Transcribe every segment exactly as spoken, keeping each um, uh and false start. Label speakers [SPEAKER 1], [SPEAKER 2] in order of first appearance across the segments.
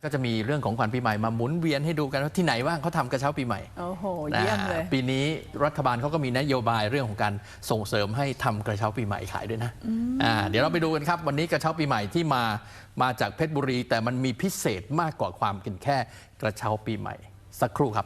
[SPEAKER 1] ก็จะมีเรื่องของขวัญปีใหม่มาหมุนเวียนให้ดูกันว่าที่ไหนว่างเขาทำกระเช้าปีใหม่
[SPEAKER 2] โอ้โหเยี่ยมเลย
[SPEAKER 1] ปีนี้รัฐบาลเขาก็มีนโยบายเรื่องของการส่งเสริมให้ทำกระเช้าปีใหม่ขายด้วยนะอ่าเดี๋ยวเราไปดูกันครับวันนี้กระเช้าปีใหม่ที่มามาจากเพชรบุรีแต่มันมีพิเศษมากกว่าความเป็นแค่กระเช้าปีใหม่สักครู่ครับ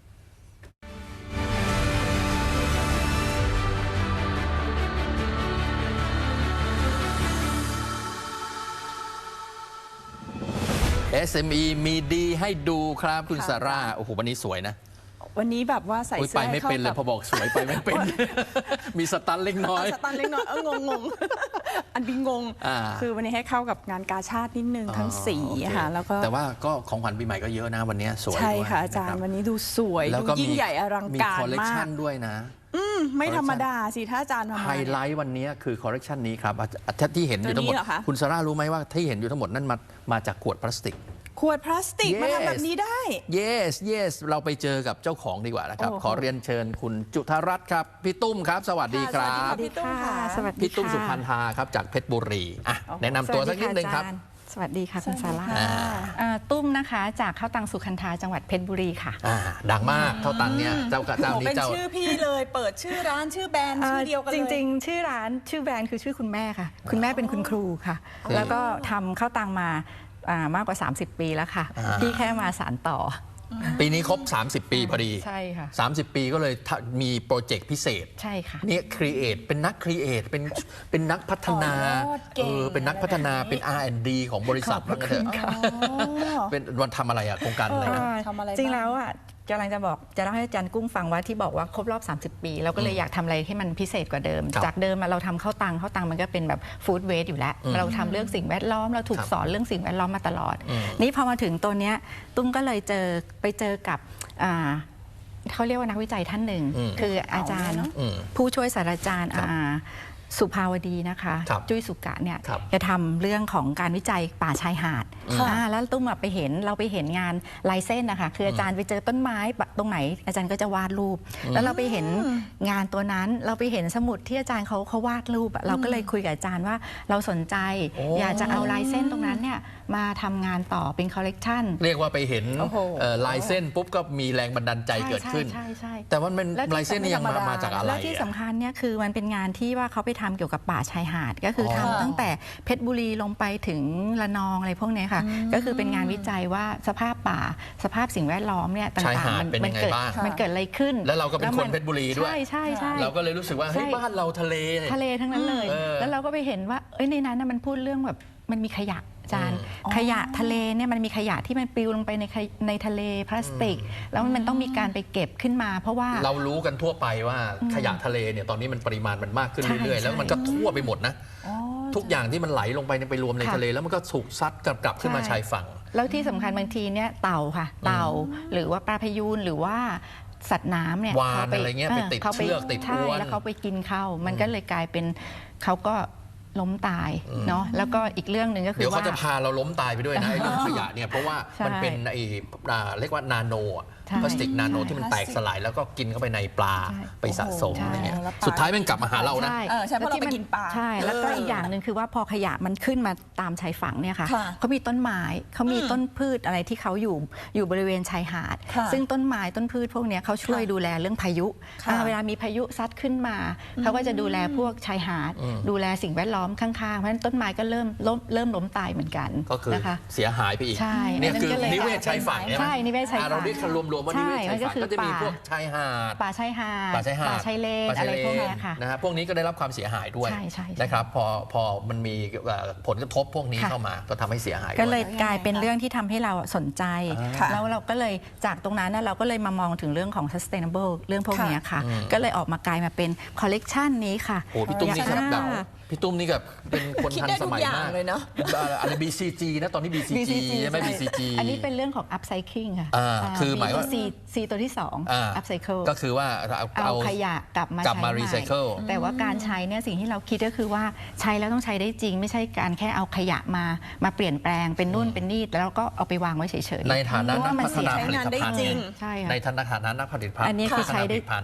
[SPEAKER 1] เอส เอ็ม อี มีดีให้ดูครับคุณซาร่าโอ้โหวันนี้สวยนะ
[SPEAKER 2] วันนี้แบบว่าใส่เสื้อ
[SPEAKER 1] ไปไม่เป็นเลยพอบอกสวยไปไม่เป็นมีสตันเล็กน้อย
[SPEAKER 2] สตันเล็กน้อยเอองงงอันบิงงงคือวันนี้ให้เข้ากับงานกาชาตินิดนึงทั้งสีค่ะแล้วก็
[SPEAKER 1] แต่ว่าก็ของขวัญปีใหม่ก็เยอะนะวันนี้สวย
[SPEAKER 2] ใช่ค่ะอาจารย์วันนี้ดูสวยดูยิ่งใหญ่อลังการมากมี
[SPEAKER 1] คอลเลคชันด้วยนะ
[SPEAKER 2] อืมไม่ธรรมดาสิถ้าอาจารย์ทำ
[SPEAKER 1] ไฮไลท์วันนี้คือคอลเลคชันนี้ครับที่เห็นอยู่ทั้งหมดคุณซาร่ารู้ไหมว่าที่เห็นอยู่ทั้งหมดนั่นมามาจากขวดพลาสติก
[SPEAKER 2] ขวดพลาสติก yes. มาทำแบบนี้ได้
[SPEAKER 1] yes yes เราไปเจอกับเจ้าของดีกว่านะครับ ขอเรียนเชิญคุณจุธารัตน์ครับพี่ตุ้มครับสวัสดีครับ
[SPEAKER 2] สวัสดีค่ะสวัสดี
[SPEAKER 1] พี่ตุ้มสุพันธาครับจากเพชรบุรีอ่ะแนะนำตัวสักนิดนึงครับ
[SPEAKER 3] สวัสดีค่ะคุณซาร่าตุ้มนะคะจากข้าวตังสุขันธาจังหวัดเพชรบุรีค่ะ
[SPEAKER 1] ดังมากข้าวตังเนี่ยเจ้าเจ้านี้
[SPEAKER 2] เจ้าเป็นชื่อพี่เลยเปิดชื่อร้านชื่อแบรนด์ชื่อเดียวกันเลย
[SPEAKER 3] จริงๆชื่อร้านชื่อแบรนด์คือชื่อคุณแม่ค่ะคุณแม่เป็นคุณครูค่ะแล้วก็ทำข้าวตังมามากกว่าสามสิบปีแล้วค่ะที่แค่มาสานต่อ
[SPEAKER 1] ปีนี้ครบสามสิบปีพอดี
[SPEAKER 3] ใช่ค่ะ
[SPEAKER 1] สามสิบปีก็เลยมีโปรเจกต์พิเศษ
[SPEAKER 3] ใช่ค่ะ
[SPEAKER 1] นี่ครีเอทเป็นนักครีเอทเป็นเป็นนักพัฒนาเออเป็นนักพัฒนาเป็น อาร์ แอนด์ ดี ของบริษัทนั่นเถอะเป็นวันทำอะไรอะโครงการอะไรนะ
[SPEAKER 3] จริงแล้วอะกำลังจะบอกจะเล่าให้อาจารย์กุ้งฟังว่าที่บอกว่าครบรอบสามสิบปีเราก็เลยอยากทำอะไรให้มันพิเศษกว่าเดิมจากเดิมเราทำข้าวตังข้าวตังมันก็เป็นแบบฟู้ดเวสต์อยู่แล้วเราทำเรื่องสิ่งแวดล้อมเราถูกสอนเรื่องสิ่งแวดล้อมมาตลอดนี่พอมาถึงตัวเนี้ยตุ้มก็เลยเจอไปเจอกับเขาเรียกว่านักวิจัยท่านหนึ่งคืออาจารย์ผู้ช่วยศาสตราจารย์สุภาวดีนะคะจุ้ยสุกะเนี่ยจะทำเรื่องของการวิจัยป่าชายหาดแล้วตุ้มไปเห็นเราไปเห็นงานลายเส้นนะคะคืออาจารย์ไปเจอต้นไม้ตรงไหนอาจารย์ก็จะวาดรูปแล้วเราไปเห็นงานตัวนั้นเราไปเห็นสมุดที่อาจารย์เขาเขาวาดรูปเราก็เลยคุยกับอาจารย์ว่าเราสนใจอยากจะเอาลายเส้นตรงนั้นเนี่ยมาทำงานต่อเป็นคอลเลกชัน
[SPEAKER 1] เรียกว่าไปเห็นลายเส้นปุ๊บก็มีแรงบันดาลใจเกิดขึ้นแต่ว่ามันลายเส้นนี่ยังมามาจากอะไร
[SPEAKER 3] แล้วที่สำคัญเนี่ยคือมันเป็นงานที่ว่าเขาไปทำเกี่ยวกับป่าชายหาดก็คือทำตั้งแต่เพชรบุรีลงไปถึงระนองอะไรพวกนี้ค่ะก็คือเป็นงานวิจัยว่าสภาพป่าสภาพสิ่งแวดล้อมเนี่ยต่างๆมันเกิดมันเกิดอะไรขึ้น
[SPEAKER 1] แล้วเราก็เป็นคนเพชรบุรีด้วย
[SPEAKER 3] ใช่ใช่ใช่
[SPEAKER 1] เราก็เลยรู้สึกว่าเฮ้ยบ้านเราทะเล
[SPEAKER 3] ทะเลทั้งนั้นเลยแล้วเราก็ไปเห็นว่าเอ้ยในนั้นมันพูดเรื่องแบบมันมีขยะอาจารย์ขยะทะเลเนี่ยมันมีขยะที่มันปลิวลงไปในในทะเลพลาสติกแล้วมันต้องมีการไปเก็บขึ้นมาเพราะว่า
[SPEAKER 1] เรารู้กันทั่วไปว่าขยะทะเลเนี่ยตอนนี้มันปริมาณมันมากขึ้นเรื่อยๆแล้วมันก็ทั่วไปหมดนะทุกอย่างที่มันไหลลงไปไปรวมในทะเลแล้วมันก็ถูกซัดกลับกลับขึ้นมาชายฝั่ง
[SPEAKER 3] แล้วที่สำคัญบางทีเนี่ยเต่าค่ะเต่าหรือว่าปลาพยูนหรือว่าสัตว์น้ำเนี่ย
[SPEAKER 1] วานอะไรเงี้ยไปติดเชือกติดอวน
[SPEAKER 3] แล้วเขาไปกินเข้ามันก็เลยกลายเป็นเขาก็ล้มตายเนาะแล้วก็อีกเรื่องหนึ่งก็คือว่า
[SPEAKER 1] เดี๋ยวเขาจะพาเราล้มตายไปด้วยนะไอ้เรื่องขยะเนี่ยเพราะว่ามันเป็นไอ้เรียกว่านาโนพลาสติกนาโนที่มันแตกสลายแล้วก็กินเข้าไปในปลาไปสะสมอะไรเงี้ยสุดท้ายมันกลับมาหาเรานะ
[SPEAKER 2] ใช่เพราะเราไปกินปลา
[SPEAKER 3] ใช่แล้วก็อีกอย่างหนึ่งคือว่าพอขยะมันขึ้นมาตามชายฝั่งเนี่ยค่ะเขามีต้นไม้เขามีต้นพืชอะไรที่เขาอยู่อยู่บริเวณชายหาดซึ่งต้นไม้ต้นพืชพวกนี้เขาช่วยดูแลเรื่องพายุเวลามีพายุซัดขึ้นมาเขาก็จะดูแลพวกชายหาดดูแลสิ่งแวดล้อมข้างๆเพราะฉะนั้นต้นไม้ก็เริ่มล้มเริ่มล้มตายเหมือนกัน
[SPEAKER 1] ก็คือเสียหายไปอีกเนี่ยคือนิเวศชายฝั่ง
[SPEAKER 3] ใช่นิเวศชายฝั่ง
[SPEAKER 1] เราเรียกรวมๆว่านิเวศชายฝั่งก็จะมีพวกชายหาด
[SPEAKER 3] ป่าชายหาด
[SPEAKER 1] ป่าชายหาด
[SPEAKER 3] ป่าชายเลนอะไรพวกนี้ค่ะ
[SPEAKER 1] นะฮะพวกนี้ก็ได้รับความเสียหายด้วยนะครับพอพอมันมีผลกระทบพวกนี้เข้ามาก็ทำให้เสียหาย
[SPEAKER 3] ก็เลยกลายเป็นเรื่องที่ทำให้เราสนใจแล้วเราก็เลยจากตรงนั้นเราก็เลยมามองถึงเรื่องของ sustainable เรื่องพวกนี้ค่ะก็เลยออกมากลายมาเป็นคอลเลกชันนี้ค่ะ
[SPEAKER 1] โอ้พี่ตุ้มนี่ครับพี่ตุ้มนี่กับเป็นคนทันสมัยมาก
[SPEAKER 2] เลยเนาะ
[SPEAKER 1] อะไร บี ซี จี นะตอนนี้ บี ซี จี ใช่ไหม บี ซี จี
[SPEAKER 3] อันนี้เป็นเรื่องของ upcycling ค่ะ
[SPEAKER 1] คือหมายว่า
[SPEAKER 3] C ตัวที่สอง upcycle
[SPEAKER 1] ก็คือว่า
[SPEAKER 3] เอาขยะกลับมาก
[SPEAKER 1] ลับมา recycle
[SPEAKER 3] แต่ว่าการใช้เนี่ยสิ่งที่เราคิดก็คือว่าใช้แล้วต้องใช้ได้จริงไม่ใช่การแค่เอาขยะมามาเปลี่ยนแปลงเป็นนู่นเป็นนี่แล้วก็เอาไปวางไว้เฉย
[SPEAKER 1] ๆในฐานะนักพัฒนาผลิตภัณฑ์
[SPEAKER 3] ใช่
[SPEAKER 1] ในฐานะนักผลิตภัณฑ์
[SPEAKER 3] อันนี้คือใช้ได้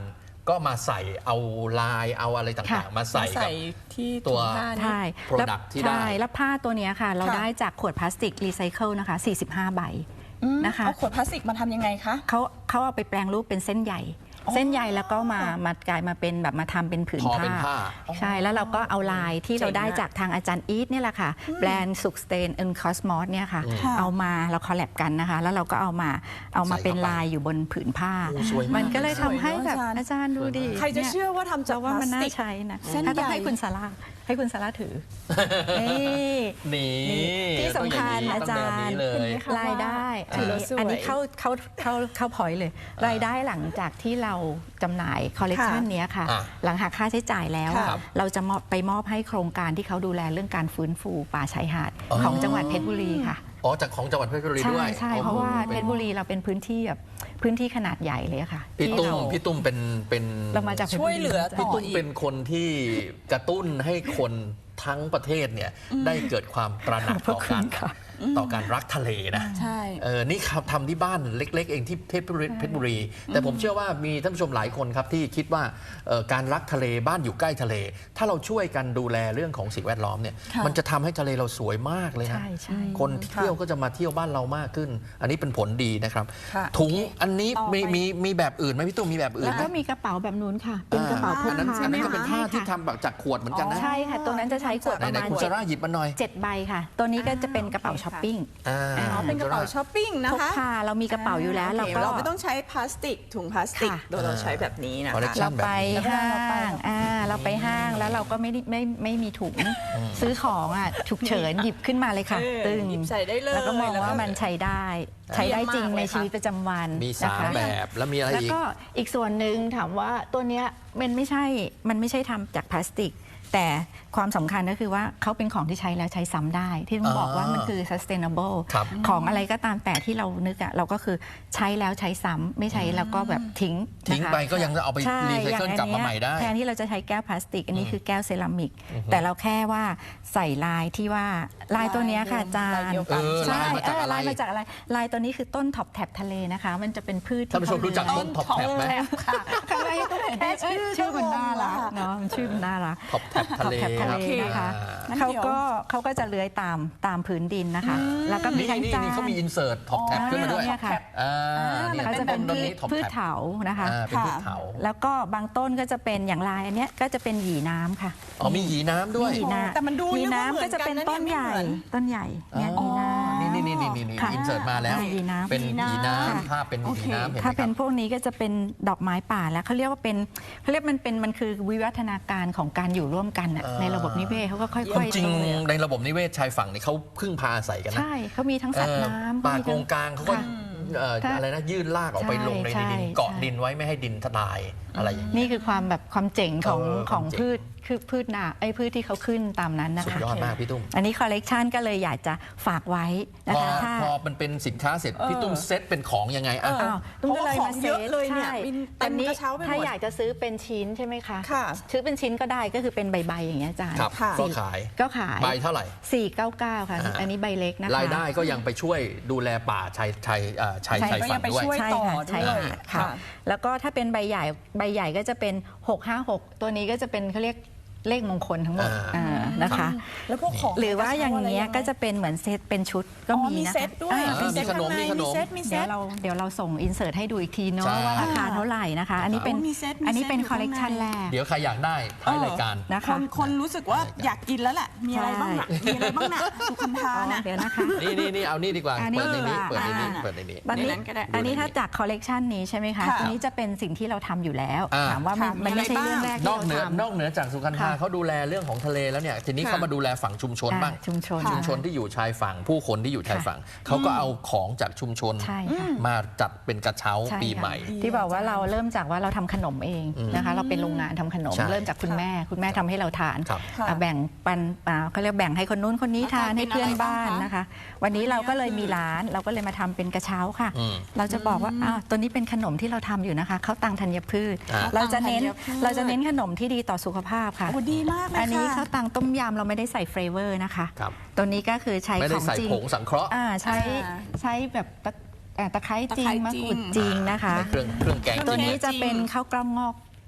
[SPEAKER 1] ก็มาใส่เอาลายเอาอะไรต่าง
[SPEAKER 3] ค่ะ
[SPEAKER 1] ๆ มาใส่
[SPEAKER 2] มา
[SPEAKER 1] กั
[SPEAKER 2] ใส่
[SPEAKER 1] บ
[SPEAKER 2] ที่
[SPEAKER 1] ตั
[SPEAKER 2] ถุ
[SPEAKER 1] ว
[SPEAKER 2] งผ้านี่
[SPEAKER 3] ใช่
[SPEAKER 1] product ที่ได้
[SPEAKER 3] ใช่แล้วผ้าตัวเนี้ยค่ะ เรา
[SPEAKER 2] ค่ะ
[SPEAKER 3] ได้จากขวดพลาสติกรีไซเคิลนะคะสี่สิบห้าใบ
[SPEAKER 2] อืม
[SPEAKER 3] นะคะ
[SPEAKER 2] เอาขวดพลาสติกมาทำยังไงคะ
[SPEAKER 3] เขาเขาเอาไปแปลงรูปเป็นเส้นใหญ่
[SPEAKER 2] อ๋อ
[SPEAKER 3] เส้นใยแล้วก็มามากลายมาเป็นแบบมาทำเป็นผืน
[SPEAKER 1] ทอ
[SPEAKER 3] ผ้า
[SPEAKER 1] เป็นผ้า
[SPEAKER 3] ใช่แล้วเราก็เอาลายที่เราได้
[SPEAKER 2] เจ๋งอะ
[SPEAKER 3] จากทางอาจารย์อีทเนี่ยแหละค่ะ แบรนด์สุกสเตนเอ็นคอสมอสเนี่ยค่ะ
[SPEAKER 2] ค่ะ
[SPEAKER 3] เอามาเราคอลแลบกันนะคะ แล้วเราก็เอามาเอามา
[SPEAKER 1] ใส่เข้าไป
[SPEAKER 3] เป็นลายอยู่บนผืนผ้า
[SPEAKER 1] โอ้สวยมาก
[SPEAKER 3] มันก็เลยทำให้แบบ
[SPEAKER 2] สวยเนอะอาจารย์
[SPEAKER 3] อาจารย์ดูดิ
[SPEAKER 2] ใครจะเชื่อว่าทำจาก
[SPEAKER 3] จะว่ามัน
[SPEAKER 2] พลา
[SPEAKER 3] น่า
[SPEAKER 2] สติก
[SPEAKER 3] ใช้นะ
[SPEAKER 2] เส้น
[SPEAKER 3] ถ้าต้อง
[SPEAKER 2] ใหญ่
[SPEAKER 3] ให้คุณสาราให้คุณสาราถือนี่
[SPEAKER 1] นี่
[SPEAKER 3] ที่สำคัญ
[SPEAKER 1] ต้
[SPEAKER 3] อา
[SPEAKER 1] อง
[SPEAKER 3] จา
[SPEAKER 1] แนว
[SPEAKER 3] ร
[SPEAKER 1] นี้
[SPEAKER 3] ย์
[SPEAKER 1] เลย
[SPEAKER 2] ค่ะ
[SPEAKER 3] รายได้
[SPEAKER 1] ถื
[SPEAKER 3] อัน
[SPEAKER 1] อแล้ว
[SPEAKER 3] นี้
[SPEAKER 2] สวย
[SPEAKER 3] อันนี้เข้าเข้าเข้าเข้าพอยต์เลย รายได้หลังจากที่เราจำหน่ายคอลเลกชัน
[SPEAKER 2] ค่ะ
[SPEAKER 3] นี้ค่ะ
[SPEAKER 1] อ่ะ
[SPEAKER 3] หลังหักค่าใช้จ่ายแล้วอะ
[SPEAKER 2] ครับ
[SPEAKER 3] เราจะมอบไปมอบให้โครงการที่เขาดูแลเรื่องการฟื้นฟูป่าชายหาด
[SPEAKER 1] อ๋อ
[SPEAKER 3] ของจังหวัดเพชรบุรีค่ะ
[SPEAKER 1] อ๋อจากของจังหวัดเพชรบุรี
[SPEAKER 3] ใช่
[SPEAKER 1] ด้วย
[SPEAKER 3] ใช่
[SPEAKER 1] อ๋อ
[SPEAKER 3] เพราะว่าเพ
[SPEAKER 1] ป็
[SPEAKER 3] ช
[SPEAKER 1] น
[SPEAKER 3] รบุรีเราเป็นพื้นที่แบบพื้นที่ขนาดใหญ่เลยอะค่ะ
[SPEAKER 1] พี่
[SPEAKER 3] ที่
[SPEAKER 1] ตุ้ม
[SPEAKER 3] เรา
[SPEAKER 1] พี่ตุ้มเป็นเป็น
[SPEAKER 3] เรามาจากพชรบุรี
[SPEAKER 2] ช่วยเหลือ
[SPEAKER 1] พี่
[SPEAKER 2] ต่อ
[SPEAKER 1] ตุ้มเป็นคนที่กระตุ้นให้คนทั้งประเทศเนี่ยได้เกิดความตระหนัก
[SPEAKER 3] ขอบ
[SPEAKER 1] ต่อ
[SPEAKER 3] คุ
[SPEAKER 1] กา
[SPEAKER 3] ณ
[SPEAKER 1] ร
[SPEAKER 3] ค่ะ
[SPEAKER 1] ต่อการรักทะเลนะ
[SPEAKER 2] ใช่
[SPEAKER 1] เออนี่ครับทำที่บ้านเล็ก ๆ เองที่เพชรบุรีเพชรบุรี แต่ผมเชื่อว่ามีท่านผู้ชมหลายคนครับที่คิดว่าเอ่อการรักทะเลบ้านอยู่ใกล้ทะเล ถ้าเราช่วยกันดูแลเรื่องของสิ่งแวดล้อมเนี่ย
[SPEAKER 2] ค่ะ
[SPEAKER 1] มันจะทำให้ทะเลเราสวยมากเลยฮะ
[SPEAKER 3] ใช่ใช่
[SPEAKER 1] คนเที่ยวก็จะมาเที่ยวบ้านเรามากขึ้น อันนี้เป็นผลดีนะครับ
[SPEAKER 2] ค่ะ
[SPEAKER 1] ถุงอันนี้
[SPEAKER 2] ต่อไป
[SPEAKER 1] มีมีมีแบบอื่นไหมพี่ตุ้มมีแบบอื่น
[SPEAKER 3] แล้ว
[SPEAKER 1] ไหม
[SPEAKER 3] ก็มีกระเป๋าแบบนู้นค่ะ เป็นกระเป๋าพก
[SPEAKER 1] อันนั้น
[SPEAKER 3] พา
[SPEAKER 1] อันนั้นก็เป็นผ้า
[SPEAKER 3] ใช่
[SPEAKER 1] ที่
[SPEAKER 3] ค่ะ
[SPEAKER 1] ทำแบบจากขวดเหมือนกันนะ
[SPEAKER 3] ใช่ค่ะ ตัวนั้นจะใช้ขวด
[SPEAKER 1] ไห
[SPEAKER 3] ประ
[SPEAKER 1] น
[SPEAKER 3] มาณ
[SPEAKER 1] ๆคุณ
[SPEAKER 3] เจ็
[SPEAKER 1] ซา
[SPEAKER 3] ด
[SPEAKER 1] ร่าหยิบมาหน่อย
[SPEAKER 3] เจ็ดใบค่ะ ตัวนี้ก็จะเป็นกระเป๋า
[SPEAKER 2] โอเคค่ะ
[SPEAKER 3] ช้อปปิ้ง
[SPEAKER 1] อ่า
[SPEAKER 2] อ๋อเป็นกระเป๋าช้อปปิ้งนะ
[SPEAKER 3] พก
[SPEAKER 2] คะ
[SPEAKER 3] พาเรามีกระเป๋าอยู่แล้ว
[SPEAKER 2] โอ
[SPEAKER 3] เรา
[SPEAKER 2] เค
[SPEAKER 3] ก็
[SPEAKER 2] เราไม่ต้องใช้พลาสติกถุงพลาสติก
[SPEAKER 3] ค่ะ
[SPEAKER 2] โดยเราใช้แบบนี้นะ
[SPEAKER 1] คอลเลก
[SPEAKER 2] คะ
[SPEAKER 1] ชั
[SPEAKER 3] เรา
[SPEAKER 1] น แบบ
[SPEAKER 3] ไป
[SPEAKER 1] นี้
[SPEAKER 3] ห้า
[SPEAKER 2] แล้วก็เราไป
[SPEAKER 3] งอ่าเราไปห้างแล้วเราก็ไม่ได้ไม่ไม่มีถุง ซื้อของอ่ะฉุกเฉินหยิบขึ้นมาเลยค่ะ
[SPEAKER 2] เออ
[SPEAKER 3] ตึง
[SPEAKER 2] หยิบใส่ได้เลย
[SPEAKER 3] แล้วก็มองว่ามันใช้ได้ ใช้ได้จริง
[SPEAKER 2] เยี่ยมมากเลย
[SPEAKER 3] ใน
[SPEAKER 2] ค่ะ
[SPEAKER 3] ชีวิตประจำวัน
[SPEAKER 1] มี
[SPEAKER 3] นะ
[SPEAKER 1] สาม
[SPEAKER 3] คะ
[SPEAKER 1] แบบแล้วมีอะไร
[SPEAKER 3] แล้ว
[SPEAKER 1] อีก
[SPEAKER 3] ก็อีกส่วนหนึ่งถามว่าตัวเนี้ยมันไม่ใช่มันไม่ใช่ทำจากพลาสติก แต่ความสำคัญก็คือว่าเขาเป็นของที่ใช้แล้วใช้ซ้ำได้ ที่ต้องบอกว่ามันคือ sustainable
[SPEAKER 1] ครับ
[SPEAKER 3] ของอะไรก็ตามแต่ที่เรานึกอะเราก็คือใช้แล้วใช้ซ้ำไม่ใช้แล้วก็แบบทิ้ง
[SPEAKER 1] ทิ้ง
[SPEAKER 3] นะคะ
[SPEAKER 1] ไปก็ยังจะเอาไป
[SPEAKER 3] ใช่
[SPEAKER 1] รีไซเคิล
[SPEAKER 3] อย่ง
[SPEAKER 1] กลับมาใหม่ได้
[SPEAKER 3] แทนที่เราจะใช้แก้วพลาสติก อันนี้คือแก้วเซรามิก แต่เราแค่ว่าใส่ลายที่ว่าลายตัวเนี้ยค่ะอาจาร
[SPEAKER 2] ลาย
[SPEAKER 3] ย์
[SPEAKER 2] เดียวกัน
[SPEAKER 1] เออ
[SPEAKER 3] ใช่
[SPEAKER 1] ลายมาจาก
[SPEAKER 3] เออ
[SPEAKER 1] อะไร
[SPEAKER 3] ลายมาจากอะไรลายตัวนี้คือต้นท็อปแท็บทะเลนะคะ มันจะเป็นพืช
[SPEAKER 1] ท่านผู้ชมรู้จักต้นท็อปแท็บไหม
[SPEAKER 3] ค่ะข้างในก็เห็นได้ชื่อชื่อมันน่ารักเนาะมันชื่อมันน่ารัก
[SPEAKER 1] ท็อปแท็บทะเล
[SPEAKER 3] ท็อปแท็บทะเล
[SPEAKER 2] โอเค
[SPEAKER 3] นะคะ
[SPEAKER 2] งั้น
[SPEAKER 3] เขา
[SPEAKER 2] เดี๋ยว
[SPEAKER 3] ก็เขาก็จะเลื้อยตามตามพื้นดินนะคะ แล้วก็มี
[SPEAKER 1] นี่
[SPEAKER 3] ทั้ง
[SPEAKER 1] นี่
[SPEAKER 3] จาน
[SPEAKER 1] นี่เขามีอินเสิร์ตท็อปแท็บขึ้นมาด้วย
[SPEAKER 3] เนี่ยค่ะ
[SPEAKER 1] อ่าเนี่ย
[SPEAKER 3] เขา
[SPEAKER 1] ต้
[SPEAKER 3] จะ
[SPEAKER 1] น
[SPEAKER 3] เป็น
[SPEAKER 1] ต้น
[SPEAKER 3] พื
[SPEAKER 1] นี้
[SPEAKER 3] ช
[SPEAKER 1] ท็อป
[SPEAKER 3] พืช
[SPEAKER 1] แท็บ
[SPEAKER 3] เถานะคะ
[SPEAKER 1] อ่าเป็นพืชเถา
[SPEAKER 3] แล้วก็บางต้นก็จะเป็นอย่างลายอันเนี้ยก็จะเป็นหยีน้ำค่ะ
[SPEAKER 1] อ๋อมีหยีน้ำด้วย
[SPEAKER 3] หยีน้ำ
[SPEAKER 2] แต่มันดู
[SPEAKER 3] หยี
[SPEAKER 2] นึกว่าเหมื
[SPEAKER 3] น้ำ
[SPEAKER 2] อน
[SPEAKER 3] ก็จะเป็น
[SPEAKER 2] กันนะ
[SPEAKER 3] ต้น
[SPEAKER 2] เนี่ย
[SPEAKER 3] ใหญ่
[SPEAKER 2] ไม่เหมือน
[SPEAKER 3] ต้นใหญ่เนี่ยหยีน้ำ
[SPEAKER 1] นี่นี่นี่นี่นี่
[SPEAKER 3] ค่ะ
[SPEAKER 1] อินเสิร์ตมาแล้ว
[SPEAKER 3] หยีน้ำ
[SPEAKER 1] เป็นหยีน้
[SPEAKER 3] ค่ะ
[SPEAKER 1] ำภาพเป็นห
[SPEAKER 2] โอ
[SPEAKER 1] ยี
[SPEAKER 2] เค
[SPEAKER 1] น้ำเห็นไหม
[SPEAKER 3] ถ้า
[SPEAKER 1] ค
[SPEAKER 3] เป็
[SPEAKER 1] รั
[SPEAKER 3] น
[SPEAKER 1] บ
[SPEAKER 3] พวกนี้ก็จะเป็นดอกไม้ป่าแล้วเขาเรียกว่าเป็นเขาเรียกมันเป็นมันคือวิวัฒนาการของการอยู่ร่วมกันน่ะ
[SPEAKER 1] อ่า
[SPEAKER 3] ในระบบนิเวศเขาก็ค่
[SPEAKER 1] ควา
[SPEAKER 3] อ
[SPEAKER 1] ม
[SPEAKER 3] ย
[SPEAKER 1] จริง
[SPEAKER 3] โตเลย
[SPEAKER 1] ในระบบนิเวศชายฝั่งนี่เขาพึ่งพาอาศัยกันนะ
[SPEAKER 3] ใช่เขามีทั้งสัตว์น้ำ
[SPEAKER 1] ป่า
[SPEAKER 3] มี
[SPEAKER 1] โก
[SPEAKER 3] ทั้
[SPEAKER 1] งกลางเขาก็
[SPEAKER 3] ค่ะ
[SPEAKER 1] เอ่อ
[SPEAKER 3] ถ้า
[SPEAKER 1] อะไรนะยื่นลากออกไป
[SPEAKER 3] ใช่
[SPEAKER 1] ลงใน
[SPEAKER 3] ใช่
[SPEAKER 1] ดินเกาะ
[SPEAKER 3] ใช่
[SPEAKER 1] ดินไว้ไม่ให้ดินทลายอะไรอย่างนี้
[SPEAKER 3] นี่คือความแบบความเจ๋งของ
[SPEAKER 1] เออ
[SPEAKER 3] ของ
[SPEAKER 1] ความเจ๋ง
[SPEAKER 3] พืชคือพืชนาไอ้พืชที่เขาขึ้นตามนั้นนะ
[SPEAKER 1] สุด
[SPEAKER 3] คะ
[SPEAKER 1] ยอดมากพี่ตุ้ม
[SPEAKER 3] อันนี้คอลเลกชันก็เลยอยากจะฝากไว้นะ
[SPEAKER 1] พอ
[SPEAKER 3] คะถ้า
[SPEAKER 1] พอมันเป็นสินค้าเสร็จ
[SPEAKER 2] เออ
[SPEAKER 1] พี่ตุ้มเซ็ตเป็นของยังไงอ่ะ
[SPEAKER 2] เออ
[SPEAKER 3] อ้าวตุ้มก็เลย
[SPEAKER 2] เพราะว่า
[SPEAKER 3] มา
[SPEAKER 2] ของ
[SPEAKER 3] เซ
[SPEAKER 2] เยอะ
[SPEAKER 3] ต
[SPEAKER 2] เลยเนี่ย
[SPEAKER 3] ใช่
[SPEAKER 2] มีเต็
[SPEAKER 3] ตอ
[SPEAKER 2] ม
[SPEAKER 3] นนี้
[SPEAKER 2] กระเช้าไปหมด
[SPEAKER 3] ถ้าอยากจะซื้อเป็นชิ้นใช่ไหมคะ
[SPEAKER 2] ค่ะ
[SPEAKER 3] ซื้อเป็นชิ้นก็ได้ก็คือเป็นใบๆอย่างเงี้ยอาจารย์
[SPEAKER 1] ครับ
[SPEAKER 2] ค่ะ
[SPEAKER 1] ก็ขาย
[SPEAKER 3] ก็ขาย
[SPEAKER 1] ใบเท่าไหร่
[SPEAKER 3] สี่เก้าเก้าค่ะ
[SPEAKER 1] อ่า
[SPEAKER 3] อันนี้ใบเล็กนะคะ
[SPEAKER 1] รายได้ก็ยังไปช่วยดูแลป่าชายชายเอ่อชาย
[SPEAKER 3] ใช่
[SPEAKER 1] ชาย
[SPEAKER 2] ก็
[SPEAKER 1] ฝั่
[SPEAKER 2] ยัง งไป
[SPEAKER 1] ด้วย
[SPEAKER 2] ช่วย
[SPEAKER 3] ใช่
[SPEAKER 2] ต่อ
[SPEAKER 3] ค่ะ
[SPEAKER 2] ด้
[SPEAKER 3] ใช่
[SPEAKER 2] วย
[SPEAKER 3] ค่ะ
[SPEAKER 2] ค่ะ
[SPEAKER 3] ค่ะ แล้วก็ถ้าเป็นใบใหญ่ใบใหญ่ก็จะเป็นหกห้าหกตัวนี้ก็จะเป็นเขาเรียกเลขมงคลทั้งหมด
[SPEAKER 1] อ่า
[SPEAKER 3] อ่านะคะ
[SPEAKER 2] แล้วพวกของ
[SPEAKER 3] หรือว่าอย่างเงี้ย
[SPEAKER 2] กระ
[SPEAKER 3] ก็
[SPEAKER 2] เช้าอะไร
[SPEAKER 3] จะเป็นเหมือนเซตเป็นชุดก็
[SPEAKER 2] อ๋อ
[SPEAKER 3] มี
[SPEAKER 2] มี
[SPEAKER 3] นะคะ
[SPEAKER 2] เซตด้วย
[SPEAKER 3] อ่า
[SPEAKER 1] มีขนมมีขนม
[SPEAKER 2] มีเซตมีเซ
[SPEAKER 3] เดี๋ยว
[SPEAKER 2] ต
[SPEAKER 3] เราเดี๋ยวเราส่งอินเสิร์ตให้ดูอีกทีเนาะ
[SPEAKER 1] ใช่
[SPEAKER 3] ว่าราคาเท่าไหร่นะคะ อันนี้เป็น
[SPEAKER 2] โอ้มีเซตมี
[SPEAKER 3] อันนี้เป็น
[SPEAKER 2] เซตอยู่
[SPEAKER 3] คอลเลกชัน
[SPEAKER 2] ข้างใน
[SPEAKER 3] แรก
[SPEAKER 1] เดี๋ยวใครอยากได้ท้ายรายการ
[SPEAKER 3] นะ
[SPEAKER 2] ค
[SPEAKER 3] คะ
[SPEAKER 2] นคนรู้สึกว่าอยากกินแล้วแหละ มีอะไรบ้างน่ะ มีอะไรบ้างน่ะสุขันธา
[SPEAKER 3] อ๋อ
[SPEAKER 2] น่ะ
[SPEAKER 3] เดี๋ยวนะคะ
[SPEAKER 1] นี่นี่นี่เอานี่ดีกว่า
[SPEAKER 3] อันนี้
[SPEAKER 1] เปิดในนี้
[SPEAKER 3] ดีกว่า
[SPEAKER 1] เปิดในนี้
[SPEAKER 2] อ่า
[SPEAKER 1] เปิดในนี้
[SPEAKER 3] ตอนนี้
[SPEAKER 2] ในนั้นก็ได้
[SPEAKER 3] อันนี้
[SPEAKER 1] ดูในนี้
[SPEAKER 3] ถ้าจากคอลเลกชันนี้ใช่ไหมคะ
[SPEAKER 2] ค่ะ
[SPEAKER 3] ตัวนี้จะเป็นสิ่งที่เราทำอยู่แล้ว
[SPEAKER 1] อ่า
[SPEAKER 3] ถามว่ามัน
[SPEAKER 2] ค่ะ
[SPEAKER 3] มันไม่ใช่
[SPEAKER 2] มีอะไร
[SPEAKER 3] เรื่อง
[SPEAKER 2] บ้าง
[SPEAKER 3] แรก
[SPEAKER 1] น
[SPEAKER 3] ที่
[SPEAKER 1] อกเหนือ
[SPEAKER 3] เราทำ
[SPEAKER 1] นอกเหนือจากสุขันธา
[SPEAKER 3] ค่ะ
[SPEAKER 1] เขาดูแลเรื่องของทะเลแล้วเนี่ยทีนี้
[SPEAKER 2] ค่ะ
[SPEAKER 1] เขามาดูแลฝั่งชุมชน
[SPEAKER 3] อ่า
[SPEAKER 1] บ้าง
[SPEAKER 3] ชุมชน
[SPEAKER 1] ชุมชนที่อยู่ชายฝั่งผู้คนที่อยู่ชายฝั่งเขาก็เอาของจากชุมชน
[SPEAKER 3] ใช่ค่ะ
[SPEAKER 1] มาจัดเป็นกระเช้า
[SPEAKER 3] ใช่
[SPEAKER 1] ปี
[SPEAKER 3] ค่ะ
[SPEAKER 1] ใหม่
[SPEAKER 3] ที่บอกว่าเราเริ่มจากว่าเราทำขนมเองนะคะ เราเป็นโรงงานทำขนม
[SPEAKER 1] ใช่
[SPEAKER 3] เริ่มจากคุณแม่ คุณแม่ทำให้เราทาน
[SPEAKER 1] ครับ
[SPEAKER 2] ค่ะ
[SPEAKER 3] อ่ะแบ่งปันอ่าเขาเรียกแบ่งให้คนนู้นคนนี้ทาน
[SPEAKER 2] อาจารย์
[SPEAKER 3] ให้เพื่อน
[SPEAKER 2] เป็นอะไร
[SPEAKER 3] บ้าน
[SPEAKER 2] บ้างคะ
[SPEAKER 3] นะคะ วันนี้เราก็เลยมีร้านเราก็เลยมาทำเป็นกระเช้าค่ะ
[SPEAKER 1] อืม
[SPEAKER 3] เราจะบอกว่าอ้าวตัวนี้เป็นขนมที่เราทำอยู่นะคะข้าวตังธัญพืช
[SPEAKER 1] อ่า
[SPEAKER 3] เราจะเน้น
[SPEAKER 2] ข้าวตังธัญพืช
[SPEAKER 3] เราจะเน้นขนมที่ดีต่อสุขภาพค่ะ
[SPEAKER 2] โอ้ดีมากเลยค่ะ
[SPEAKER 3] อันนี้ข้าวตังต้มยำเราไม่ได้ใส่เฟรเวอร์นะคะ
[SPEAKER 1] ครับ
[SPEAKER 3] ตัวนี้ก็คือใช้
[SPEAKER 1] ไม่
[SPEAKER 3] ข
[SPEAKER 1] ได้
[SPEAKER 3] อง
[SPEAKER 1] ใส่
[SPEAKER 3] จริง
[SPEAKER 1] ผงสังเคราะห์
[SPEAKER 3] อ่าใช้
[SPEAKER 2] อ่า
[SPEAKER 3] ใช้แบบตะอ่าตะไคร้จริ
[SPEAKER 2] ตะไคร้
[SPEAKER 3] งมะ
[SPEAKER 2] จริง
[SPEAKER 3] กรูดจริงนะคะ
[SPEAKER 1] ในเครื่องเครื่องแกง
[SPEAKER 3] ตัวนี้
[SPEAKER 1] จริง
[SPEAKER 3] จะเป็นข้าวกล้องงอก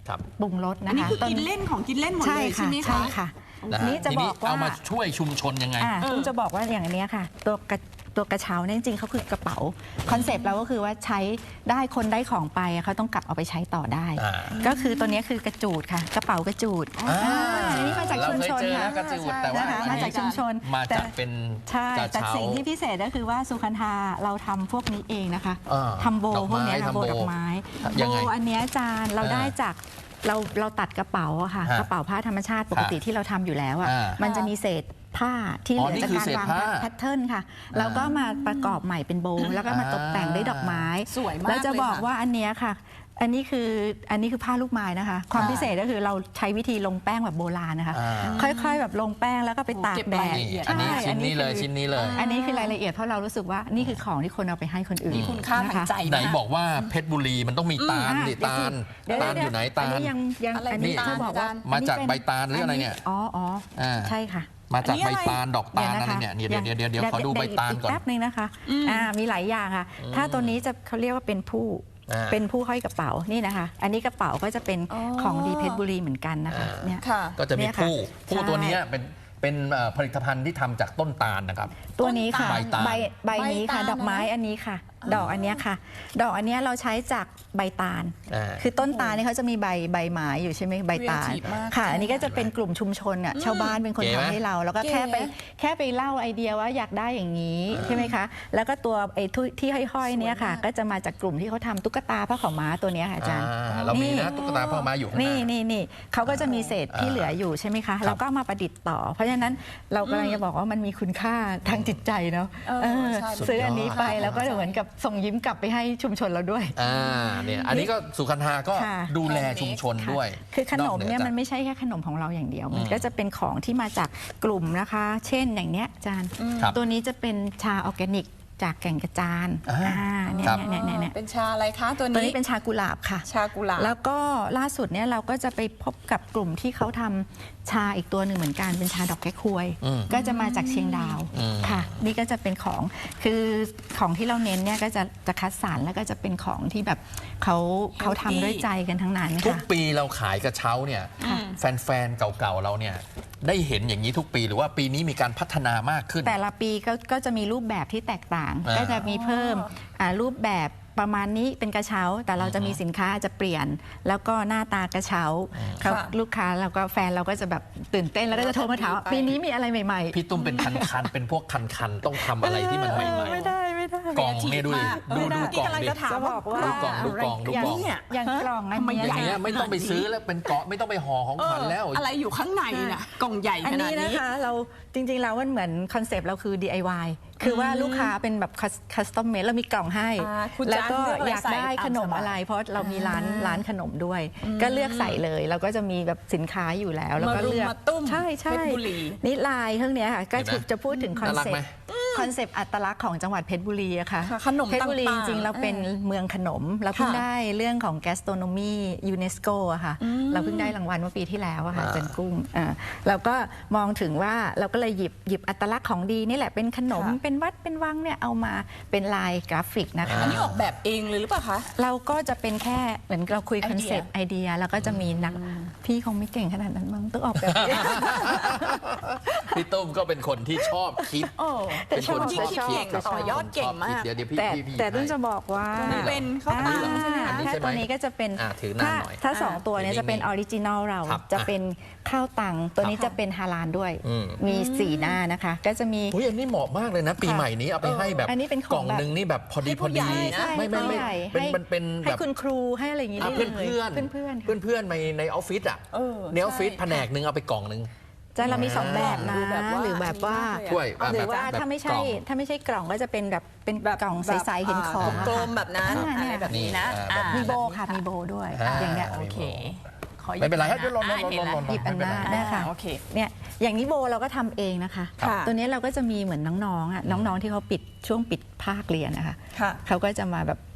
[SPEAKER 1] ครับ
[SPEAKER 3] ปรุงรส
[SPEAKER 2] อั
[SPEAKER 3] นะ
[SPEAKER 2] นนี้
[SPEAKER 3] คะ
[SPEAKER 2] คือกินเล่นของกินเล่นหมด
[SPEAKER 3] ใช่
[SPEAKER 2] เลยใช่
[SPEAKER 3] ค่ะ
[SPEAKER 2] ไหม
[SPEAKER 3] ใช่
[SPEAKER 2] คะ
[SPEAKER 3] ค่ะ
[SPEAKER 1] นะฮะ
[SPEAKER 3] นี่จะ
[SPEAKER 1] ที
[SPEAKER 3] บ
[SPEAKER 1] นี้
[SPEAKER 3] อกว่า
[SPEAKER 1] เอามาช่วยชุมชนยังไง
[SPEAKER 3] อ่าคุณจะบอกว่าอย่างนี้ค่ะ ตัวกระตัวกระเช้าเนี่ยจริงๆเขาคือกระเป๋าคอนเซปต์เราก็คือว่าใช้ได้คนได้ของไปเขาต้องกลับเอาไปใช้ต่อได้
[SPEAKER 1] อ่า
[SPEAKER 3] ก็คือตัวนี้คือกระจูดค่ะ กระเป๋ากระจูด
[SPEAKER 1] อ่า
[SPEAKER 3] อันนี้มาจากชุมชน
[SPEAKER 1] เราเคยเจอ
[SPEAKER 3] ค่ะ
[SPEAKER 1] นะกระจูดแต่ว่า
[SPEAKER 3] นะคะ
[SPEAKER 1] อันนี้
[SPEAKER 3] มาจากชุมชน
[SPEAKER 1] มาจากเป็น
[SPEAKER 3] ใช่
[SPEAKER 1] กระ
[SPEAKER 3] แต่
[SPEAKER 1] เช้า
[SPEAKER 3] สิ่งที่พิเศษก็คือว่าสุคันธาเราทำพวกนี้เองนะคะ
[SPEAKER 1] อ่า
[SPEAKER 3] ทำโบ
[SPEAKER 1] ดอกไม้
[SPEAKER 3] พวกเนี้ยค่ะ
[SPEAKER 1] ทำ
[SPEAKER 3] โบ
[SPEAKER 1] โบ
[SPEAKER 3] ดอกไม้
[SPEAKER 1] ยัง
[SPEAKER 3] โบ
[SPEAKER 1] ไง
[SPEAKER 3] อันเนี้ยจานเรา
[SPEAKER 1] อ่า
[SPEAKER 3] ได้จากเราเราตัดกระเป๋าอะค่ะ
[SPEAKER 1] ฮะ
[SPEAKER 3] กระเป๋าผ้าธรรมชาติปกติที่เราทำอยู่แล้วอะ
[SPEAKER 1] อ่า
[SPEAKER 3] มันจะมีเศษผ้าที่เห
[SPEAKER 1] อ๋อ
[SPEAKER 3] ลือ
[SPEAKER 1] นี่
[SPEAKER 3] จาก
[SPEAKER 1] คือ
[SPEAKER 3] การ
[SPEAKER 1] เศษ
[SPEAKER 3] วาง
[SPEAKER 1] ผ้า
[SPEAKER 3] แพทเทิร์นค่ะแล้วก็มาประกอบใหม่เป็นโบว์แล้วก็มาตกแต่งด้วยดอกไม้
[SPEAKER 2] สวยมาก
[SPEAKER 3] แล้วจะ
[SPEAKER 2] เลย
[SPEAKER 3] บอก
[SPEAKER 2] ค่ะ
[SPEAKER 3] ว่าอันเนี้ยค่ะ อันนี้คืออันนี้คือผ้าลูกไม้นะคะ ความ
[SPEAKER 2] ค่ะ
[SPEAKER 3] พิเศษก็คือเราใช้วิธีลงแป้งแบบโบราณนะคะ
[SPEAKER 1] อ่า
[SPEAKER 3] ค่อยๆ แบบลงแป้งแล้วก็ไปตาก
[SPEAKER 2] เก็บ
[SPEAKER 3] แด
[SPEAKER 2] ราย
[SPEAKER 3] ด
[SPEAKER 2] ละเอียด
[SPEAKER 1] อันนี้
[SPEAKER 3] ใช่
[SPEAKER 1] ชิ้นนี้เลย
[SPEAKER 3] คือ
[SPEAKER 1] ชิ้นนี้เลย
[SPEAKER 3] อันนี้คือรายละเอียดเพราะเรารู้สึกว่านี่คือของที่คนเอาไปให้คนอื่น
[SPEAKER 2] มีคุณค่าทางใจ
[SPEAKER 1] ไหน
[SPEAKER 2] มาก
[SPEAKER 1] บอกว่าเพชรบุรีมันต้องมีตาล
[SPEAKER 3] อ่ะ
[SPEAKER 1] ดิ
[SPEAKER 3] เดี๋ยว
[SPEAKER 1] ตาล
[SPEAKER 3] เดี๋ยว
[SPEAKER 1] ตาล
[SPEAKER 3] เดี๋ว
[SPEAKER 1] อยู่ไหนตา
[SPEAKER 3] อัน
[SPEAKER 1] ล
[SPEAKER 3] นี้ยังยัง
[SPEAKER 2] อะไร
[SPEAKER 3] อันนี้
[SPEAKER 2] เป็นตาล
[SPEAKER 3] จะบอกว่า
[SPEAKER 2] อาจารย์
[SPEAKER 1] มาจาก
[SPEAKER 3] อันนี้
[SPEAKER 1] ใบ
[SPEAKER 3] เป็น
[SPEAKER 1] ตาลหรืออะไรเนี่ย
[SPEAKER 3] อ๋ออ๋ออา ใช่ค่ะ
[SPEAKER 1] มาจาก
[SPEAKER 2] อันนี้
[SPEAKER 1] ใบ
[SPEAKER 2] อะไร
[SPEAKER 1] ตาลดอกตาลอะไรเนี่ยเดี๋ยวเดี๋ยวเดี๋ยวเดี๋ยวขอดูใบตาลก่อน
[SPEAKER 3] แป๊บนึงนะคะอ่ามีหลายอย่างค่ะ ถ้าตัวนี้จะเขาเรียกว่าเป็นผู้
[SPEAKER 1] อ่า
[SPEAKER 3] เป็นผู้ห้อยกระเป๋านี่นะคะ อันนี้กระเป๋าก็จะเป็น
[SPEAKER 2] อ๋อ
[SPEAKER 3] ของดีเพชรบุรีเหมือนกันนะคะ
[SPEAKER 1] อ่า
[SPEAKER 3] เนี่ย
[SPEAKER 2] ค่ะ
[SPEAKER 1] ก็จะมี
[SPEAKER 3] เนี่ยค่ะ
[SPEAKER 1] ผู้ผู้
[SPEAKER 3] ใช่
[SPEAKER 1] ตัวเนี้ยเป็นเป็นเอ่อผลิตภัณฑ์ที่ทำจากต้นตาลนะครับ
[SPEAKER 3] ตัวนี้ค่ะ
[SPEAKER 1] ใบตาล
[SPEAKER 3] ใบใบนี้ค่ะ
[SPEAKER 2] ใบตาล
[SPEAKER 3] ดอกไม้อันนี้ค่ะ ดอกอันเนี้ยค่ะ ดอกอันเนี้ยเราใช้จากใบตาล
[SPEAKER 1] อ่า
[SPEAKER 3] คือต้นตาลเนี่ยเขาจะมีใบใบไม้อยู่ใช่ไหมใบตาล
[SPEAKER 2] Creative มาก
[SPEAKER 3] ค่ะ อันนี้ก็จะเป็นกลุ่มชุมชนอ่ะชาวบ้านเป็นคน
[SPEAKER 1] เก๋ไหม
[SPEAKER 3] ทำให้เรา แล้วก็
[SPEAKER 2] เก๋
[SPEAKER 3] แค่ไปแค่ไปเล่าไอเดียว่าอยากได้อย่างนี้ใช่ไหมคะ แล้วก็ตัวไอ้ที่ที่ห้อยๆเนี่ยค่ะ
[SPEAKER 2] สวยมาก
[SPEAKER 3] ก็จะมาจากกลุ่มที่เขาทำตุ๊กตาผ้าขาวม้าตัวเนี้ยค่ะอาจารย์
[SPEAKER 1] อ่าเรามีนะตุ๊กตาพ่อม้าอยู่ข้างห
[SPEAKER 3] นี่
[SPEAKER 1] น้า
[SPEAKER 3] นี่นี่เขาก็จะมีเศษที่เหลืออยู่ใช่ไหมคะแล้วก็เอามาประดิษฐ์ต่อ เพราะฉะนั้นเรากำลังจะบอกว่ามันมีคุณค่าทางจิตใจเนาะ
[SPEAKER 2] เออ
[SPEAKER 3] เออ
[SPEAKER 2] ใช่
[SPEAKER 3] ซื้ออันนี้ไป
[SPEAKER 1] สุดยอด
[SPEAKER 3] แล้วก็เหมือนกับส่งยิ้มกลับไปให้ชุมชนเราด้วย
[SPEAKER 1] อ่าเนี่ยอันนี้ก็สุขันธาก็
[SPEAKER 3] ค่ะ
[SPEAKER 1] ดูแลชุมชนด้วย
[SPEAKER 3] คือขนมเนี่ย
[SPEAKER 1] อกห
[SPEAKER 3] มัน
[SPEAKER 1] จาก
[SPEAKER 3] ไม่ใช่แค่ขนมของเราอย่างเดียว มัน
[SPEAKER 1] อืม
[SPEAKER 3] ก็จะเป็นของที่มาจากกลุ่มนะคะ เช่นอย่างเนี้ยอาจารย์
[SPEAKER 1] ครับ
[SPEAKER 3] ตัวนี้จะเป็นชาออร์แกนิกจากแก่งกระจาน
[SPEAKER 1] อ่า
[SPEAKER 3] อ่าเนี่ย
[SPEAKER 1] ครับ
[SPEAKER 3] เนี่ยเนี่ยเนี่ย
[SPEAKER 2] เป็นชาอะไรคะตัว
[SPEAKER 3] ตัว
[SPEAKER 2] นี้
[SPEAKER 3] นี้เป็นชากุหลาบค่ะ
[SPEAKER 2] ชากุหลาบ
[SPEAKER 3] แล้วก็ล่าสุดเนี่ยเราก็จะไปพบกับกลุ่มที่เขาทำชาอีกตัวหนึ่งเหมือนกันเป็นชาดอกแก้ควย
[SPEAKER 1] อืม
[SPEAKER 3] ก็จะมาจากเชียงดาว
[SPEAKER 1] อืม
[SPEAKER 3] ค่ะ นี่ก็จะเป็นของคือของที่เราเน้นเนี่ยก็จะจะคัดสรรแล้วก็จะเป็นของที่แบบเขาเขาทำด้วยใจกันทั้งนั้น
[SPEAKER 1] ทุก
[SPEAKER 3] ค่ะ
[SPEAKER 1] ปีเราขายกระเช้าเนี่ย
[SPEAKER 3] ค่ะ
[SPEAKER 1] แฟนๆ เก่าๆ เราเนี่ยได้เห็นอย่างนี้ทุกปีหรือว่าปีนี้มีการพัฒนามากขึ้น
[SPEAKER 3] แต่ละปีก็ก็จะมีรูปแบบที่แตกต่าง
[SPEAKER 1] อ่า
[SPEAKER 3] ก็จะมีเพิ่มอ่ารูปแบบประมาณนี้เป็นกระเช้า แต่เราจะมีสินค้าอาจจะเปลี่ยน แล้วก็หน้าตากระเช้าเขา
[SPEAKER 2] ค่ะ
[SPEAKER 3] ลูกค้าเราก็แฟนเราก็จะแบบตื่นเต้นแล้วก็จะโทรมาถามว่า
[SPEAKER 2] ไป
[SPEAKER 3] ปีนี้มีอะไรใหม่ๆ
[SPEAKER 1] พี่ตุ้มเป็นคันๆ เป็นพวกคันๆ ต้องทำอะไรที่มันใหม่
[SPEAKER 3] ไม่ได้ไม่ได้
[SPEAKER 1] ๆ กล่องเนี่ยดูดิ ดูดูกล่อง
[SPEAKER 2] กำลัง
[SPEAKER 1] ดิ
[SPEAKER 2] จะถาม
[SPEAKER 3] จะบอกว่า
[SPEAKER 1] ดูกล่องดูกล่องดู
[SPEAKER 3] อย่าง
[SPEAKER 1] กล่อง
[SPEAKER 3] เนี่ยอย่างกล่องอัน
[SPEAKER 2] ทำไม
[SPEAKER 3] เนี้ย
[SPEAKER 1] อย่างเงี้ยไม่ต้องไปซื้อแล้วเป็นเกาะไม่ต้องไปห่อของขวัญแล้ว
[SPEAKER 2] อะไรอยู่ข้างในน่ะกล่องใหญ่
[SPEAKER 3] อัน
[SPEAKER 2] ขนา
[SPEAKER 3] นี้
[SPEAKER 2] ด
[SPEAKER 3] นะ
[SPEAKER 2] นี้
[SPEAKER 3] คะเราจริงๆแล้วมันเหมือนคอนเซปต์เราคือ ดี ไอ วาย คือว่าลูกค้าเป็นแบบคัสตอมเมดเรามีกล่องให้
[SPEAKER 2] อ่าคุณ
[SPEAKER 3] แล้วก็
[SPEAKER 2] จะเลือกอะไร
[SPEAKER 3] อยากได้
[SPEAKER 2] ใส่ตาม
[SPEAKER 3] ขนม
[SPEAKER 2] สบาย
[SPEAKER 3] อะไร เพราะเรามีร้านร้านขนมด้วย ก็เลือกใส่เลยเราก็จะมีแบบสินค้าอยู่แล้วแล้วก็
[SPEAKER 2] มารุม
[SPEAKER 3] เลือก
[SPEAKER 2] มาตุ้ม
[SPEAKER 3] ใช่ใช่
[SPEAKER 2] เพชรบุรี
[SPEAKER 3] นี่ลายเครื่องเนี้ยค่ะก็
[SPEAKER 1] เห็นไหม
[SPEAKER 3] จะพูดถึงคอน
[SPEAKER 1] น่ารัก
[SPEAKER 3] เซป
[SPEAKER 1] ไหม
[SPEAKER 3] ต์คอนเซปต์อัตลักษณ์ของจังหวัดเพชรบุรีอะค่ะ
[SPEAKER 2] ค่ะขนม
[SPEAKER 3] เพชรบุรี
[SPEAKER 2] ต่างๆ
[SPEAKER 3] จริงๆเราเป็นเมืองขนมเราเพิ่ง
[SPEAKER 2] ค่ะ
[SPEAKER 3] ได้เรื่องของ gastronomy UNESCO อะค่ะเราเพิ่งได้รางวัลเมื่อปีที่แล้วอะค่ะ
[SPEAKER 1] อ่า
[SPEAKER 3] จันกุ้งอ่าเราก็มองถึงว่าเราก็เลยหยิบหยิบอัตลักษณ์ของดีนี่แหละเป็นขนม
[SPEAKER 2] ค่ะ
[SPEAKER 3] เป็นวัดเป็นวังเนี่ยเอามาเป็นลายกราฟิกนะคะ
[SPEAKER 2] อันนี้ออกแบบเองเลยหรือเปล่าคะ
[SPEAKER 3] เราก็จะเป็นแค่เหมือนเราคุย
[SPEAKER 2] ไอ
[SPEAKER 3] คอน
[SPEAKER 2] เดีย
[SPEAKER 3] เซปต์ไอเดียแล้วก็จะมีนักพี่คงไม่เก่งขนาดนั้นมั้งต้องออกแบบเอง
[SPEAKER 1] พี่ตุ้มก็เป็นคนที่ชอบคิด
[SPEAKER 2] โอ้
[SPEAKER 1] เป็นคนชอบ
[SPEAKER 2] คิดเก่ง
[SPEAKER 1] ครับ
[SPEAKER 2] ต่อยอดเก่งมาก
[SPEAKER 1] เดี๋ยวเดี๋ยวพี่
[SPEAKER 3] แต่
[SPEAKER 1] พี่พี่
[SPEAKER 3] แต่ต้อง
[SPEAKER 1] ให้
[SPEAKER 3] จะบอกว่า
[SPEAKER 1] นี่เหรอ
[SPEAKER 2] เป็นข้าวตังใช่ไหม
[SPEAKER 1] อัน
[SPEAKER 2] คะ
[SPEAKER 1] นี้
[SPEAKER 3] ถ้า
[SPEAKER 1] ใช่ไหม
[SPEAKER 3] ตัวนี้ก็จะเป็น
[SPEAKER 1] อ่ะถือนาน
[SPEAKER 3] ถ้า
[SPEAKER 1] หน่อย
[SPEAKER 3] ถ้าสองตัวเนี้
[SPEAKER 1] นิ่งๆ
[SPEAKER 3] จะเป็นออริจินอลเรา
[SPEAKER 1] ครับ
[SPEAKER 3] จะเป็นข้าวตังตัวนี้
[SPEAKER 1] ครับ
[SPEAKER 3] จะเป็นฮาลาลด้วย
[SPEAKER 1] อืม
[SPEAKER 3] มีสีหน้านะคะ ก็จะมี
[SPEAKER 1] อุ้ยอันนี้เหมาะมากเลยนะ ปีใหม่นี้เอาไปให้แบบ
[SPEAKER 3] อันนี้เป็นของ
[SPEAKER 1] กล่องหนึ่งนี่แบบพอดี
[SPEAKER 2] ให้
[SPEAKER 1] พ
[SPEAKER 2] ผู้
[SPEAKER 1] อ
[SPEAKER 2] ใหญ่
[SPEAKER 1] ดี
[SPEAKER 2] นะ
[SPEAKER 1] ไม่ไม่ไม่
[SPEAKER 3] ให้
[SPEAKER 1] เป็น
[SPEAKER 3] ให้
[SPEAKER 1] มันเป็น
[SPEAKER 3] ให้
[SPEAKER 1] แบบ
[SPEAKER 3] คุณครูให้อะไรอย่างนี้
[SPEAKER 1] อ่ะ
[SPEAKER 3] ได้
[SPEAKER 1] เพื่อน
[SPEAKER 3] เลย
[SPEAKER 1] เพื่อน
[SPEAKER 3] เพื่อนๆ
[SPEAKER 1] เพื่อนเพื่อนๆในในออฟฟิศอ่ะ
[SPEAKER 2] เออ
[SPEAKER 1] ในออฟฟิศ
[SPEAKER 2] ใช่
[SPEAKER 1] แผนกหนึ่งเอาไปกล่องหนึ่ง
[SPEAKER 3] จะเรามีสองแบบนะ
[SPEAKER 2] ดูแบบว่า
[SPEAKER 3] หรือแบบว่า
[SPEAKER 2] อันนี้มากเลยอะ
[SPEAKER 1] ถ้วยอ่ะ
[SPEAKER 3] หรือว่า
[SPEAKER 1] แบบ
[SPEAKER 3] ถ้าไม่
[SPEAKER 1] ก
[SPEAKER 3] ใช่
[SPEAKER 1] ล่อง
[SPEAKER 3] ถ้าไม่ใช่กล่องก็จะเป็นแบบเป็นกล่องใสๆเห็นของอะ
[SPEAKER 2] กล
[SPEAKER 3] ค่ะ
[SPEAKER 2] มๆแบบนั้น
[SPEAKER 3] อ่า
[SPEAKER 2] อะไรแบบนี้นะ
[SPEAKER 1] นี่อ่า
[SPEAKER 2] อ่า
[SPEAKER 3] มีโบค่ะมีโบด้วย
[SPEAKER 1] อ่า
[SPEAKER 3] อย่างเงี้ย
[SPEAKER 2] โอเคขอหยิบ
[SPEAKER 1] ไม่เป็นไรครับ
[SPEAKER 2] ะ
[SPEAKER 1] เดี๋ยวลองลอง
[SPEAKER 2] อ่าเห็น
[SPEAKER 1] ลองลอง
[SPEAKER 2] แล้ว
[SPEAKER 3] หยิบอันหน้า
[SPEAKER 1] ไม่เป็นไร
[SPEAKER 3] ได้ค่ะ
[SPEAKER 2] โอเค
[SPEAKER 3] เนี่ยอย่างนี้โบเราก็ทำเองนะคะ
[SPEAKER 2] ค่ะ
[SPEAKER 3] ตัวนี้เราก็จะมีเหมือนน้องๆอ่ะน้องๆที่เขาปิดช่วงปิดภาคเรียนนะคะ
[SPEAKER 2] ค่ะ
[SPEAKER 3] เขาก็จะมาแบบ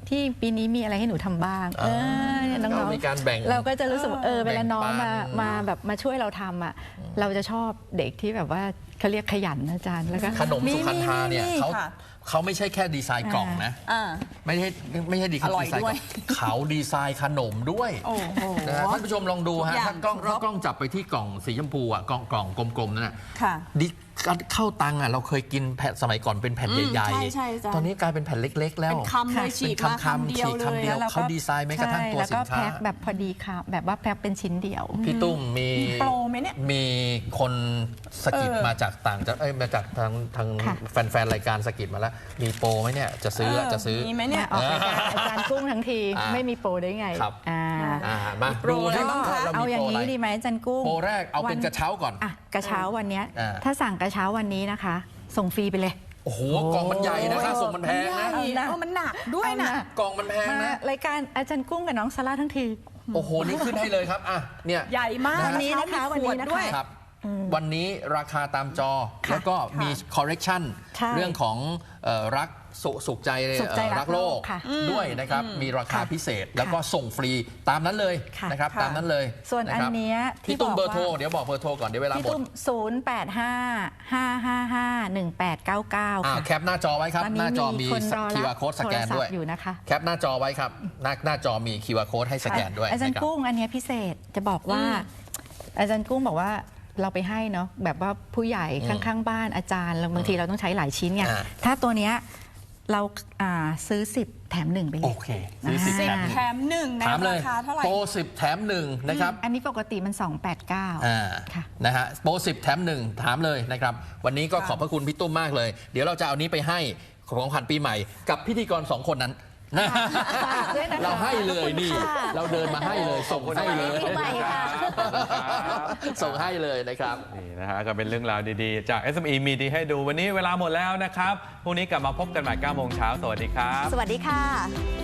[SPEAKER 3] ที่ปีนี้มีอะไรให้หนูทำบ้างเออเนี่ยน้อง
[SPEAKER 1] เรามีการแบ่ง
[SPEAKER 3] ๆเราก็จะรู้สึกว่าเออเวลาน้องมา
[SPEAKER 1] แบ่งปัน
[SPEAKER 3] มาแบบมาช่วยเราทำอ่ะเราจะชอบเด็กที่แบบว่าเขาเรียกขยันนะอาจารย์แล้วก็
[SPEAKER 1] ขนมสุขันธาเนี่ย
[SPEAKER 2] มี
[SPEAKER 1] เขา
[SPEAKER 2] ค่ะ
[SPEAKER 1] เขาไม่ใช่แค่ดีไซน์กล่องนะ
[SPEAKER 2] อ่า
[SPEAKER 1] ไม่ใช่ไม่ใช่ดีไซน์
[SPEAKER 2] อร่อย
[SPEAKER 1] ดีไซน์ก
[SPEAKER 2] ด้
[SPEAKER 1] ล่
[SPEAKER 2] ว
[SPEAKER 1] อย งเขาดีไซน์ขนมด้วย
[SPEAKER 2] โอ้โห
[SPEAKER 1] นะฮะท่านผู้ชมลองดูฮะ
[SPEAKER 2] ทุกอย่าง
[SPEAKER 1] ถ้ากล้อง
[SPEAKER 2] ครบ
[SPEAKER 1] ถ้ากล้องจับไปที่กล่องสีชมพูอ่ะกล่องกล่องกลมๆนั่นน่ะ
[SPEAKER 2] ค่ะ
[SPEAKER 1] ดิเข้าตังอ่ะเราเคยกินแผ่นสมัยก่อนเป็นแผ่น
[SPEAKER 2] อืม
[SPEAKER 1] ใหญ่
[SPEAKER 2] ใช่ใช่ใช่
[SPEAKER 1] ตอนนี้กลายเป็นแผ่นเล็ก ๆ แล้ว
[SPEAKER 2] เป็นคำเลยฉี
[SPEAKER 1] เป็
[SPEAKER 2] ก
[SPEAKER 1] น
[SPEAKER 2] มา
[SPEAKER 1] คำ
[SPEAKER 2] คำ
[SPEAKER 1] ๆ
[SPEAKER 2] เดียว
[SPEAKER 1] ฉีก
[SPEAKER 2] เล
[SPEAKER 1] คำ
[SPEAKER 2] ย
[SPEAKER 1] เดียว
[SPEAKER 3] แล้วก็
[SPEAKER 1] เขาดีไซน์แม้กระทั่งตัว
[SPEAKER 3] แล้ว
[SPEAKER 1] สิ
[SPEAKER 3] ก็
[SPEAKER 1] นค้า
[SPEAKER 3] แพ็คแบบพอดีค่ะแบบว่าแพ็คเป็นชิ้นเดียว
[SPEAKER 1] พี่ตุ้มมี
[SPEAKER 2] โปรไหมเนี่ย
[SPEAKER 1] มีคนสกิด
[SPEAKER 2] เออ
[SPEAKER 1] มาจากต่างจากเอ้ยมาจากทางทาง
[SPEAKER 3] ค่ะ
[SPEAKER 1] แฟนๆรายการสกิดมาแล้ว มีโปรไหมเนี่ยจะซื้ออะจะซื้อ
[SPEAKER 2] มีไหมเนี่ย
[SPEAKER 3] ออกรายการอาจารย์กุ้งทั้งที
[SPEAKER 1] อ่า
[SPEAKER 3] ไม่มีโปรได้ไง
[SPEAKER 1] ครับ
[SPEAKER 3] อ่า
[SPEAKER 1] อ่ามา
[SPEAKER 2] โปร
[SPEAKER 1] ดู
[SPEAKER 2] อะไร
[SPEAKER 1] ให้
[SPEAKER 2] บ้างคะ
[SPEAKER 1] เรา
[SPEAKER 3] เอา
[SPEAKER 1] มี
[SPEAKER 3] อย่า
[SPEAKER 1] โปรง อะไร
[SPEAKER 3] นี้ดีไหมอาจารย์กุ้ง
[SPEAKER 1] โปรแรกเอาเป็น
[SPEAKER 3] วัน
[SPEAKER 1] กระเช้าก่อน
[SPEAKER 3] อ่ะกระเช้าวันเนี้ย
[SPEAKER 1] อ่า
[SPEAKER 3] ถ้าสั่งกระเช้าวันนี้นะคะ ส่งฟรีไปเลย
[SPEAKER 1] โอ้โหกล่องมันใหญ่นะค่าส่งมันแพงนะ
[SPEAKER 2] ใหญ่
[SPEAKER 3] เอานะ
[SPEAKER 2] เออมันหนักด้วยนะ
[SPEAKER 3] เอานะ
[SPEAKER 1] กล่องมันแพง
[SPEAKER 3] มา
[SPEAKER 1] นะ
[SPEAKER 3] รายการอาจารย์กุ้งกับน้องซาร่าทั้งที
[SPEAKER 1] โอ้โหนี่ขึ้นให้เลยครับอ่ะเนี่ย
[SPEAKER 2] ใหญ่มาก
[SPEAKER 3] วันนี้นะคะ
[SPEAKER 2] เช้ามี
[SPEAKER 3] วันนี้
[SPEAKER 2] ขวด
[SPEAKER 3] นะคะ
[SPEAKER 2] ด้วย
[SPEAKER 1] ครับวันนี้ราคาตามจอ
[SPEAKER 3] ค่ะ
[SPEAKER 1] แล้วก็มี correction
[SPEAKER 3] ใช่
[SPEAKER 1] เรื่องของเอ่อรักสุสุขใจ
[SPEAKER 3] สุขใจ
[SPEAKER 1] เอ่อ
[SPEAKER 3] รั
[SPEAKER 1] รั
[SPEAKER 3] ก
[SPEAKER 1] กโลก
[SPEAKER 3] โลกค่ะ
[SPEAKER 1] ด้วยนะครับ มีราคา
[SPEAKER 3] ค่ะ
[SPEAKER 1] พิเศษแล้วก็ส่งฟรีตามนั้นเลย
[SPEAKER 3] ค่ะ
[SPEAKER 1] นะครับ
[SPEAKER 2] ค่ะ
[SPEAKER 1] ตามนั้นเลย
[SPEAKER 3] ส่วนอัน
[SPEAKER 1] ครับ
[SPEAKER 3] เนี้ยที่
[SPEAKER 1] พี่ตุ้ม
[SPEAKER 3] บอก
[SPEAKER 1] เบอร์โทร
[SPEAKER 3] ว่า
[SPEAKER 1] เดี๋ยวบอกเบอร์โทรก่อนเดี๋ยวเวลา
[SPEAKER 3] พี่
[SPEAKER 1] หมด
[SPEAKER 3] ตุ้มศูนย์ แปด ห้า ห้า ห้า ห้า หนึ่ง แปด เก้า เก้า
[SPEAKER 1] อ่า
[SPEAKER 3] ค่ะ
[SPEAKER 1] แคปหน้าจอไว้ครับ
[SPEAKER 3] ตอน
[SPEAKER 1] ห
[SPEAKER 3] นี้
[SPEAKER 1] น้าจอมี
[SPEAKER 3] คนรอ
[SPEAKER 1] คิว
[SPEAKER 3] รั
[SPEAKER 1] อา
[SPEAKER 3] บ
[SPEAKER 1] ร์ code สแกน
[SPEAKER 3] โทรศัพท์
[SPEAKER 1] ด้วย
[SPEAKER 3] อยู่นะคะ
[SPEAKER 1] แคปหน้าจอไว้ครับหน้าหน้าจอมี คิวอาร์ code ให้สแกนด้วย
[SPEAKER 3] อาจารย์
[SPEAKER 1] นะครับ
[SPEAKER 3] กุ้งอันเนี้ยพิเศษจะบอกว่า อาจารย์กุ้งบอกว่าเราไปให้เนาะแบบว่าผู้ใหญ่
[SPEAKER 1] อืม
[SPEAKER 3] ข้างๆบ้านอาจารย์แล้วบางทีเราต้องใช้หลายชิ้นไง
[SPEAKER 1] อ่า
[SPEAKER 3] ถ้าตัวเนี้ยเราอ่าซื้อสิบแถมหนึ่งไปเล
[SPEAKER 1] โอย เคซื้อสิบ
[SPEAKER 2] สิ
[SPEAKER 1] แถ
[SPEAKER 2] บ
[SPEAKER 1] มหนึ่ง
[SPEAKER 2] แถมหนึ่งใน
[SPEAKER 1] ถามเล
[SPEAKER 2] ราย คาเท่าไหร่
[SPEAKER 1] โปรสิบแถมหนึ่งนะครับ
[SPEAKER 3] อันนี้ปกติมันสองแปดเก้า
[SPEAKER 1] อ่า
[SPEAKER 3] ค่ะ
[SPEAKER 1] นะฮะโปรสิบแถมหนึ่งถามเลยนะครับ วันนี้ก็
[SPEAKER 2] ค่ะ
[SPEAKER 1] ขอบพระคุณพี่ตุ้มมากเลย เดี๋ยวเราจะเอานี้ไปให้ของขวัญปีใหม่ กับพิธีกรสองคนนั้น
[SPEAKER 3] ฝากด้วยนะคะ
[SPEAKER 1] เราให้เลยนี่
[SPEAKER 3] ขอบคุณค่ะ
[SPEAKER 1] เราเดินมาให้เลย ส่งให้เลย
[SPEAKER 3] ปีใหม่ค่ะ
[SPEAKER 1] ส่งให้เลยนะครับ
[SPEAKER 4] นี่นะฮะก็เป็นเรื่องราวดีๆ จาก เอส เอ็ม อี มีดีให้ดูวันนี้เวลาหมดแล้วนะครับพรุ่งนี้กลับมาพบกันใหม่เก้าโมงเช้าสวัสดีครับ
[SPEAKER 3] สวัสดีค่ะ